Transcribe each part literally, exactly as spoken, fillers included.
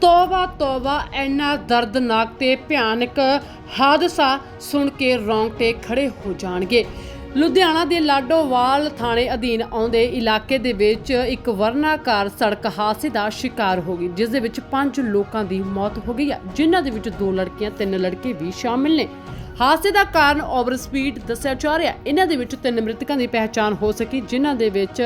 तौबा तौबा इन्ना दर्दनाक ते भयानक हादसा सुन के रोंगटे खड़े हो जाणगे। लुधियाना के लाडोवाल थाने अधीन आउंदे इलाके दे विच एक वर्णाकार सड़क हादसे का शिकार हो गई, जिस दे विच पांच लोगों की मौत हो गई है, जिन्हां दे विच दो लड़कियां तीन लड़के भी शामिल ने। हादसे का कारण ओवर स्पीड दस्सिया जा रहा है। इन्हां दे विच तीन मृतकों की पहचान हो सकी, जिन्हां दे विच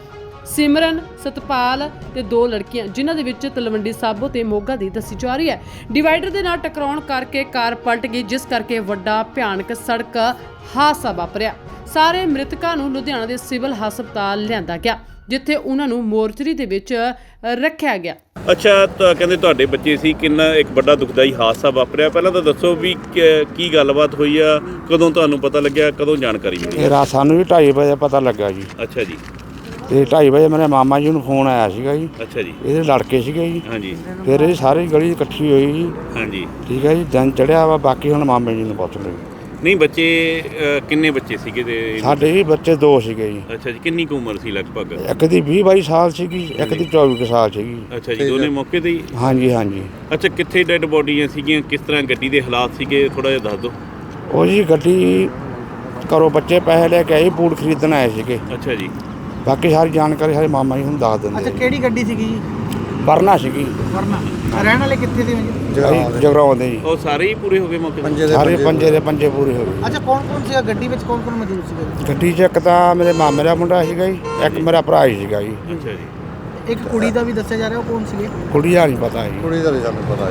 सिमरन सतपाल ते दो लड़कियां, जिन्हां दे विच तलवंडी साबो ते मोगा दी दसी जा रही है। डिवाइडर दे नाल टकराउण करके कार पलट गई, जिस करके वड्डा भयानक सड़क हादसा वापरिया। सारे मृतकों नूं लुधियाना दे सिविल हस्पताल लिआंदा गया, जिथे उन्हां नूं मोर्चरी दे विच रखिया गया। अच्छा, तो कहते तुहाडे बच्चे सी, किन्ना एक बड़ा दुखदाई हादसा वापरिया, पहलां तो दसो भी की गलबात हुई आ, कदों तुहानूं पता लग्या, कदों जानकारी मिली? रात सानूं भी ढाई बजे पता लगा जी। अच्छा जी। ਤੇ ਢਾਈ ਵਜੇ ਮੇਰੇ ਮਾਮਾ ਜੀ ਨੂੰ ਫੋਨ ਆਇਆ ਸੀਗਾ ਜੀ। ਅੱਛਾ ਜੀ। ਇਹਦੇ ਲੜਕੇ ਸੀਗੇ ਜੀ। ਹਾਂਜੀ। ਫਿਰ ਇਹ ਸਾਰੀ ਗਲੀ ਇਕੱਠੀ ਹੋਈ ਜੀ। ਹਾਂਜੀ। ਠੀਕ ਹੈ ਜੀ, ਦਿਨ ਚੜਿਆ ਵਾ, ਬਾਕੀ ਹੁਣ ਮਾਮੇ ਜੀ ਨੂੰ ਪੁੱਛ ਲਓ। ਨਹੀਂ ਬੱਚੇ ਕਿੰਨੇ ਬੱਚੇ ਸੀਗੇ ਤੇ? ਸਾਡੇ ਜੀ ਬੱਚੇ ਦੋ ਸੀਗੇ ਜੀ। ਅੱਛਾ ਜੀ, ਕਿੰਨੀ ਕੁ ਉਮਰ ਸੀ ਲਗਭਗ? ਇੱਕ ਦੀ ਵੀਹ ਬਾਈ ਸਾਲ ਸੀਗੀ, ਇੱਕ ਦੀ ਚੌਵੀ ਕੁ ਸਾਲ ਸੀਗੀ। ਅੱਛਾ ਜੀ, ਦੋਨੇ ਮੌਕੇ ਤੇ ਹੀ? ਹਾਂਜੀ ਹਾਂਜੀ। ਅੱਛਾ, ਕਿੱਥੇ ਡੈੱਡ ਬੋਡੀਆਂ ਸੀਗੀਆਂ, ਕਿਸ ਤਰ੍ਹਾਂ ਗੱਡੀ ਦੇ ਹਾਲਾਤ ਸੀਗੇ, ਥੋੜਾ ਜਿਹਾ ਦੱਸ ਦਿਓ। ਉਹ ਜੀ ਗੱਡੀ ਘਰੋਂ ਬੱਚੇ ਪੈਸੇ ਲੈ ਕੇ ਆਏ, ਬੂਟ ਖਰੀਦਣ ਆਏ ਸੀਗੇ। ਅੱਛਾ ਜੀ। ਬਾਕੀ ਸਾਰੀ ਜਾਣਕਾਰੀ ਸਾਡੇ ਮਾਮਾ ਜੀ ਨੂੰ ਦੱਸ ਦਿੰਦੇ। ਅੱਛਾ, ਕਿਹੜੀ ਗੱਡੀ ਸੀਗੀ ਜੀ? ਵਰਨਾ ਸੀਗੀ। ਵਰਨਾ। ਰਹਿਣ ਵਾਲੇ ਕਿੱਥੇ ਦੇ ਜੀ? ਜਗਰਾਉਂ ਦੇ ਜੀ। ਉਹ ਸਾਰੇ ਹੀ ਪੂਰੇ ਹੋ ਗਏ ਮੌਕੇ ਤੇ? ਸਾਰੇ ਪੰਜੇ ਦੇ ਪੰਜੇ ਪੂਰੇ ਹੋ ਗਏ। ਅੱਛਾ, ਕੌਣ ਕੌਣ ਸੀਗਾ ਗੱਡੀ ਵਿੱਚ, ਕੌਣ ਕੌਣ ਮੌਜੂਦ ਸੀਗਾ? ਗੱਡੀ 'ਚ ਇੱਕ ਤਾਂ ਮੇਰੇ ਮਾਮੇ ਦਾ ਮੁੰਡਾ ਸੀਗਾ ਜੀ, ਇੱਕ ਮੇਰਾ ਭਰਾ ਹੀ ਸੀਗਾ ਜੀ। ਅੱਛਾ ਜੀ। ਇੱਕ ਕੁੜੀ ਦਾ ਵੀ ਦੱਸਿਆ ਜਾ ਰਿਹਾ, ਉਹ ਕੌਣ ਸੀਗੇ? ਕੁੜੀ ਦਾ ਨਹੀਂ ਪਤਾ ਜੀ। ਕੁੜੀ ਦਾ ਨਹੀਂ ਸਾਨੂੰ ਪਤਾ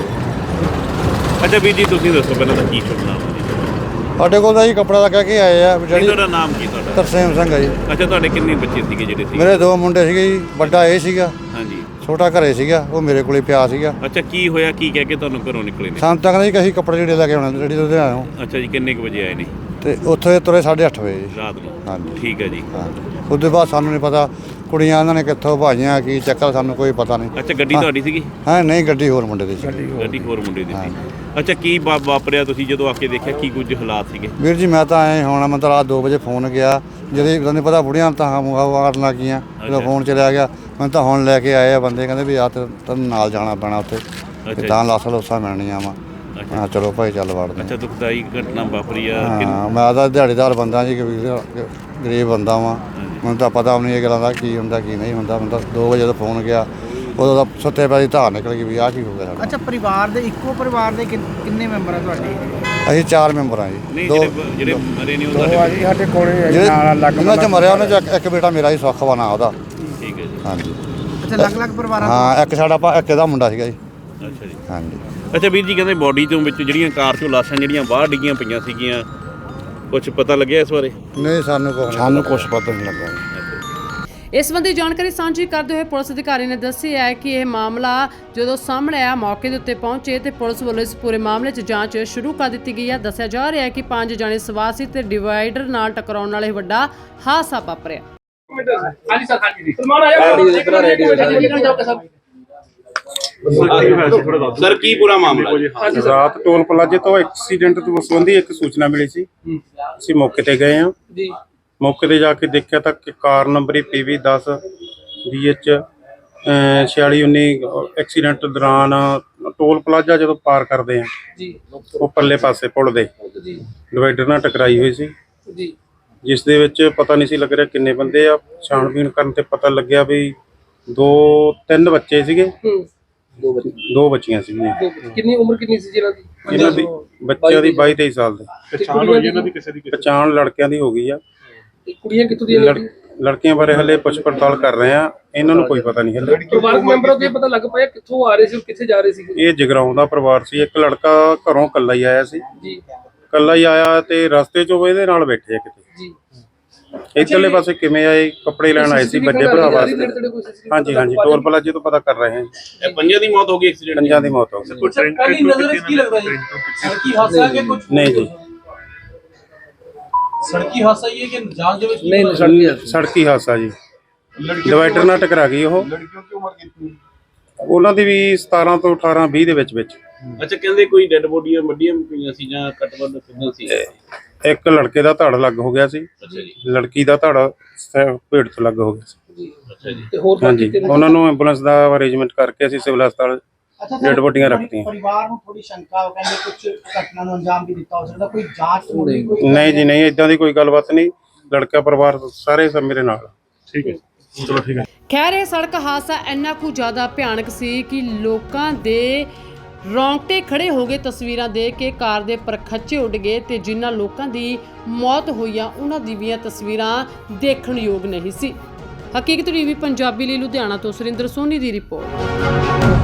ਜੀ। ਅੱਛਾ ਵੀਰ ਜੀ, ਤੁਸੀਂ ਦੱਸੋ ਪਹਿਲਾਂ ਤਾਂ ਕੀ ਸੁਣਨਾ? ਸਾਡੇ ਕੋਲ ਤਾਂ ਜੀ ਕੱਪੜਾ ਦਾ ਕਹਿ ਕੇ ਆਏ ਆ। ਜਿਹੜੀ ਤੁਹਾਡਾ ਨਾਮ ਕੀ ਤੁਹਾਡਾ? ਤਰਸੇਮ ਸਿੰਘ ਆ ਜੀ। ਅੱਛਾ, ਤੁਹਾਡੇ ਕਿੰਨੇ ਬੱਚੇ ਸੀਗੇ ਜਿਹੜੇ ਸੀ? ਮੇਰੇ ਦੋ ਮੁੰਡੇ ਸੀਗੇ ਜੀ, ਵੱਡਾ ਇਹ ਸੀਗਾ, ਹਾਂਜੀ, ਛੋਟਾ ਘਰੇ ਸੀਗਾ, ਉਹ ਮੇਰੇ ਕੋਲੇ ਪਿਆ ਸੀਗਾ। ਅੱਛਾ, ਕੀ ਹੋਇਆ, ਕੀ ਕਹਿ ਕੇ ਤੁਹਾਨੂੰ ਘਰੋਂ ਨਿਕਲੇ ਨੇ? ਸਾਨੂੰ ਤਾਂ ਕਹਿੰਦੇ ਜੀ ਕਿ ਅਸੀਂ ਕੱਪੜੇ ਜਿਹੜੇ ਲੈ ਕੇ ਆਉਣੇ ਜਿਹੜੀ ਤੋਂ ਆਏ ਅੱਛਾ ਜੀ, ਕਿੰਨੇ ਕੁ ਵਜੇ ਆਏ ਨੇ? ਤੇ ਉੱਥੇ ਤੁਰੇ ਸਾਢੇ ਅੱਠ ਵਜੇ ਜੀ ਰਾਤ ਨੂੰ? ਹਾਂਜੀ। ਠੀਕ ਹੈ ਜੀ। ਹਾਂ, ਉਹਦੇ ਬਾਅਦ ਸਾਨੂੰ ਨਹੀਂ ਪਤਾ ਕੁੜੀਆਂ ਇਹਨਾਂ ਨੇ ਕਿੱਥੋਂ ਭਾਜੀਆਂ, ਕੀ ਚੱਕਰ, ਸਾਨੂੰ ਕੋਈ ਪਤਾ ਨਹੀਂ। ਅੱਛਾ, ਗੱਡੀ ਤੁਹਾਡੀ ਸੀਗੀ? ਹਾਂ, ਨਹੀਂ ਗੱਡੀ ਹੋਰ ਮੁੰਡੇ ਦੀ ਸੀ। ਗੱਡੀ ਹੋਰ ਮੁੰਡੇ ਦੀ ਸੀ। ਅੱਛਾ, ਕੀ ਵਾ- ਵਾਪਰਿਆ ਤੁਸੀਂ ਜਦੋਂ ਆ ਕੇ ਦੇਖਿਆ, ਕੀ ਕੁਝ ਹਾਲਾਤ ਸੀਗੇ? ਵੀਰ ਜੀ ਮੈਂ ਤਾਂ ਐਂ ਹੋਣਾ, ਮੈਂ ਤਾਂ ਰਾਤ ਦੋ ਵਜੇ ਫੋਨ ਗਿਆ, ਜਦੋਂ ਤੁਹਾਨੂੰ ਪਤਾ ਬੁੜੀਆਂ ਤਾਂ ਮਾਰਨ ਲੱਗ ਗਈਆਂ, ਜਦੋਂ ਫੋਨ ਚਲਿਆ ਗਿਆ ਮੈਨੂੰ ਤਾਂ ਹੁਣ ਲੈ ਕੇ ਆਏ ਆ ਬੰਦੇ, ਕਹਿੰਦੇ ਵੀ ਆ ਤੇ ਤੈਨੂੰ ਨਾਲ ਜਾਣਾ ਪੈਣਾ ਉੱਥੇ, ਤਾਂ ਲਾਸਾਂ ਲੋਸਾਂ ਮਿਲਣੀਆਂ ਵਾ। ਹਾਂ ਚਲੋ ਭਾਈ, ਚੱਲ ਵੜਦੇ। ਅੱਛਾ, ਦੁਖਦਾਈ ਘਟਨਾ ਵਾਪਰੀ ਆ। ਹਾਂ, ਮੈਂ ਤਾਂ ਦਿਹਾੜੀਦਾਰ ਬੰਦਾ ਜੀ, ਗਰੀਬ ਬੰਦਾ ਵਾਂ, ਮੈਨੂੰ ਤਾਂ ਪਤਾ ਨਹੀਂ ਇਹ ਗੱਲਾਂ ਦਾ ਕੀ ਹੁੰਦਾ ਕੀ ਨਹੀਂ ਹੁੰਦਾ। ਮੈਨੂੰ ਤਾਂ ਦੋ ਵਜੇ ਦਾ ਫੋਨ ਗਿਆ, ਉਦੋਂ ਤਾਂ ਸੁੱਤੇ ਪਏ ਧਾਰ ਨਿਕਲ ਗਈ ਵੀ ਆਹ ਕੀ ਹੋ ਗਿਆ ਸਾਡਾ। ਅੱਛਾ, ਪਰਿਵਾਰ ਦੇ ਇੱਕੋ ਪਰਿਵਾਰ ਦੇ ਕਿੰਨ- ਕਿੰਨੇ ਮੈਂਬਰ ਆ ਤੁਹਾਡੇ? ਅਸੀਂ ਚਾਰ ਮੈਂਬਰ ਆ ਜੀ। ਨਹੀਂ, ਦੋ ਜਿਹੜੇ ਜਿਹੜੇ ਮਰੇ ਨੇ ਉਹ ਦੋ ਤੁਹਾਡੇ? ਆ ਜੀ ਸਾਡੇ ਕੋਲੇ ਜਿਹੜੇ ਨਾਲ ਲੱਗ ਉਹਨਾਂ 'ਚ ਮਰਿਆ ਉਹਨਾਂ 'ਚ ਇੱਕ- ਇੱਕ ਬੇਟਾ ਮੇਰਾ ਹੀ ਸੁੱਖ ਵਾ ਨਾਂ ਉਹਦਾ। ਠੀਕ ਹੈ ਜੀ। ਹਾਂਜੀ। ਅੱਛਾ, ਅਲੱਗ-ਅਲੱਗ ਪਰਿਵਾਰਾਂ ਤੋਂ? ਹਾਂ, ਇੱਕ ਸਾਡਾ ਭਾ- ਇੱਕ ਇਹਦਾ ਮੁੰਡਾ ਸੀਗਾ ਜੀ। ਅੱਛਾ ਜੀ। ਹਾਂਜੀ। ਅੱਛਾ ਵੀਰ ਜੀ, ਕਹਿੰਦੇ ਬੋਡੀ ਤੋਂ ਵਿੱਚ ਜਿਹੜੀਆਂ ਕਾਰ ਚੋਂ ਲਾਸ਼ਾਂ ਜਿਹੜੀਆਂ ਬਾਹਰ ਡਿੱਗੀਆਂ ਪਈਆਂ ਸੀਗੀਆਂ, ਕੁਝ ਪਤਾ ਲੱਗਿਆ ਇਸ ਬਾਰੇ? ਨਹੀਂ, ਸਾਨੂੰ ਕੁਛ ਸਾਨੂੰ ਕੁਛ ਪਤਾ ਨਹੀਂ ਲੱਗਾ। ਇਸ ਸੰਬੰਧੀ ਜਾਣਕਾਰੀ ਸਾਂਝੀ ਕਰਦੇ ਹੋਏ ਪੁਲਿਸ ਅਧਿਕਾਰੀ ਨੇ ਦੱਸਿਆ ਹੈ ਕਿ ਇਹ ਮਾਮਲਾ ਜਦੋਂ ਸਾਹਮਣੇ ਆਇਆ, ਮੌਕੇ ਦੇ ਉੱਤੇ ਪਹੁੰਚੇ ਤੇ ਪੁਲਿਸ ਵੱਲੋਂ ਇਸ ਪੂਰੇ ਮਾਮਲੇ 'ਚ ਜਾਂਚ ਸ਼ੁਰੂ ਕਰ ਦਿੱਤੀ ਗਈ ਹੈ। ਦੱਸਿਆ ਜਾ ਰਿਹਾ ਹੈ ਕਿ ਪੰਜ ਜਣੇ ਸਵਾਰ ਸੀ ਤੇ ਡਿਵਾਈਡਰ ਨਾਲ ਟਕਰਾਉਣ ਨਾਲ ਇਹ ਵੱਡਾ ਹਾਦਸਾ ਵਾਪਰਿਆ। ਹਾਂਜੀ ਸਰ, ਹਾਂਜੀ ਜੀ। ਸਲਮਾਨ ਆਇਆ ਸਰ, ਕੀ ਪੂਰਾ ਮਾਮਲਾ? ਰਾਤ ਟੋਲ ਪਲਾਜ਼ੇ ਤੋਂ ਐਕਸੀਡੈਂਟ ਤੋਂ ਸੰਬੰਧੀ ਇੱਕ ਸੂਚਨਾ ਮਿਲੀ ਸੀ। ਅਸੀਂ ਮੌਕੇ ਤੇ ਗਏ ਹਾਂ ਜੀ। ਮੌਕੇ ਤੇ ਜਾ ਕੇ ਦੇਖਿਆ ਤਾਂ ਕਿ ਕਾਰ ਨੰਬਰ ਪੀ ਵੀ ਦਸ ਬੀ ਐਚ ਛਿਆਲੀ ਉੱਨੀ ਐਕਸੀਡੈਂਟ ਦੌਰਾਨ ਟੋਲ ਪਲਾਜ਼ਾ ਜਦੋਂ ਪਾਰ ਕਰਦੇ ਆ ਜੀ, ਉਹ ਪੱਲੇ ਪਾਸੇ ਪੁਲ ਦੇ ਡਿਵਾਈਡਰ ਨਾਲ ਟਕਰਾਈ ਹੋਈ ਸੀ ਜੀ, ਜਿਸ ਦੇ ਵਿੱਚ ਪਤਾ ਨਹੀਂ ਸੀ ਲੱਗ ਰਿਹਾ ਕਿੰਨੇ ਬੰਦੇ ਆ। ਛਾਣਬੀਣ ਕਰਨ ਤੇ ਪਤਾ ਲੱਗਿਆ ਵੀ ਦੋ ਤਿੰਨ ਬੱਚੇ ਸੀਗੇ, ਦੋ ਬੱਚੀਆਂ ਸੀਗੀਆਂ। ਕਿੰਨੀ ਉਮਰ ਕਿੰਨੀ ਸੀ ਜਿਹਨਾਂ ਦੀ? ਇਹਨਾਂ ਦੀ ਬੱਚਿਆਂ ਦੀ ਬਾਈ ਤੇਈ ਸਾਲ ਦੇ। ਪਛਾਣ ਹੋਈ ਇਹਨਾਂ ਦੀ? ਕਿਸੇ ਦੀ ਪਛਾਣ ਲੜਕਿਆਂ ਦੀ ਹੋ ਗਈ ਆ। ਕੁੜੀਆਂ ਕਿੱਥੋਂ ਦੀਆਂ? ਲੜਕੀਆਂ ਬਾਰੇ ਹਲੇ ਪੁੱਛ ਪੜਤਾਲ ਕਰ ਰਹੇ ਆ, ਇਹਨਾਂ ਨੂੰ ਕੋਈ ਪਤਾ ਨਹੀਂ ਹਲੇ। ਪਰਿਵਾਰਕ ਮੈਂਬਰਾਂ ਤੋਂ ਪਤਾ ਲੱਗ ਪਾਇਆ ਕਿੱਥੋਂ ਆ ਰਹੇ ਸੀ, ਕਿੱਥੇ ਜਾ ਰਹੇ ਸੀ? ਇਹ ਜਗਰਾਉਂ ਦਾ ਪਰਿਵਾਰ ਸੀ। ਇੱਕ ਲੜਕਾ ਘਰੋਂ ਇਕੱਲਾ ਹੀ ਆਇਆ ਸੀ ਜੀ, ਇਕੱਲਾ ਹੀ ਆਇਆ ਤੇ ਰਸਤੇ 'ਚੋਂ ਇਹਦੇ ਨਾਲ ਬੈਠੇ ਆ ਕਿਤੇ ਜੀ। ਇੱਧਰਲੇ ਪਾਸੇ ਕਿਵੇਂ ਆਏ, ਕੱਪੜੇ ਲੈਣ ਆਏ ਸੀ ਵੱਡੇ ਭਰਾ ਵਾਸਤੇ। ਹਾਂਜੀ ਹਾਂਜੀ, ਟੋਲ ਪਲਾਜ਼ੇ ਤੋਂ ਪਤਾ ਕਰ ਰਹੇ ਹਾਂ। ਇਹ ਪੰਜਾਂ ਦੀ ਮੌਤ ਹੋ ਗਈ ਐਕਸੀਡੈਂਟ? ਪੰਜਾਂ ਦੀ ਮੌਤ ਹੋ ਗਈ। ਪਹਿਲੀ ਨਜ਼ਰ ਕੀ ਲੱਗਦਾ ਜੀ? ਸੜਕੀ ਹਾਦਸਾ ਹੈ ਕਿ ਕੁਝ? ਨਹੀਂ ਜੀ, ਸੜਕੀ ਹਾਦਸਾ ਹੀ ਹੈ ਕਿ ਜਾਨ ਦੇ ਵਿੱਚ? ਨਹੀਂ, ਸੜਕੀ ਹਾਦਸਾ ਜੀ, ਡਿਵਾਈਡਰ ਨਾਲ ਟਕਰਾ ਗਈ ਉਹ। ਉਹਨਾਂ ਦੀ ਵੀ ਸਤਾਰਾਂ ਤੋਂ ਅਠਾਰਾਂ ਵੀਹ ਦੇ ਵਿੱਚ ਵਿੱਚ। ਅੱਛਾ, ਕਹਿੰਦੇ ਕੋਈ ਡੈੱਡ ਬੋਡੀਆਂ ਵੱਡੀਆਂ ਪਈਆਂ ਸੀ ਜਾਂ ਕੱਟ ਵੱਢ ਕਿੰਨਾ ਸੀ? ਇੱਕ ਲੜਕੇ ਦਾ ਧੜ ਲੱਗ ਹੋ ਗਿਆ ਸੀ, ਅੱਛਾ ਜੀ। ਲੜਕੀ ਦਾ ਧੜ ਪੇਟ ਤੋਂ ਲੱਗ ਹੋ ਗਿਆ ਸੀ। ਅੱਛਾ ਜੀ। ਤੇ ਹੋਰ ਹਾਂਜੀ, ਉਹਨਾਂ ਨੂੰ ਐਂਬੂਲੈਂਸ ਦਾ ਅਰੇਂਜਮੈਂਟ ਕਰਕੇ ਅਸੀਂ ਸਿਵਲ ਹਸਪਤਾਲ ਅੱਛਾ ਡੈਡ ਬੋਡੀਆਂ ਰੱਖਤੀਆਂ। ਪਰਿਵਾਰ ਨੂੰ ਥੋੜੀ ਸ਼ੰਕਾ, ਉਹ ਕਹਿੰਦੇ ਕੁਝ ਘਟਨਾ ਨੂੰ ਅੰਜਾਮ ਵੀ ਦਿੱਤਾ ਹੋ ਸਕਦਾ, ਕੋਈ ਜਾਂਚ ਹੋਣੀ ਕੋਈ ਨਹੀਂ ਜੀ ਨਹੀਂ, ਇਦਾਂ ਦੀ ਕੋਈ ਗੱਲਬਾਤ ਨਹੀਂ। ਲੜਕਾ ਪਰਿਵਾਰ ਸਾਰੇ ਸਭ ਮੇਰੇ ਨਾਲ। ਠੀਕ ਹੈ, ਚਲੋ ਠੀਕ ਹੈ। ਖੈਰ ਇਹ ਸੜਕ ਹਾਦਸਾ ਇੰਨਾ ਕੁ ਜ਼ਿਆਦਾ ਭਿਆਨਕ ਸੀ ਕਿ ਲੋਕਾਂ ਦੇ ਰੌਂਗਟੇ ਖੜੇ ਹੋ ਗਏ ਤਸਵੀਰਾਂ ਦੇਖ ਕੇ। ਕਾਰ ਦੇ ਪਰਖੱਚੇ ਉੱਡ ਗਏ ਤੇ ਜਿਨ੍ਹਾਂ ਲੋਕਾਂ ਦੀ ਮੌਤ ਹੋਈ ਆ ਉਹਨਾਂ ਦੀ ਵੀ ਤਸਵੀਰਾਂ ਦੇਖਣ ਯੋਗ ਨਹੀਂ ਸੀ। ਹਕੀਕਤ ਟੀਵੀ ਪੰਜਾਬੀ ਲਈ ਲੁਧਿਆਣਾ ਤੋਂ ਸੁਰਿੰਦਰ ਸੋਨੀ ਦੀ ਰਿਪੋਰਟ।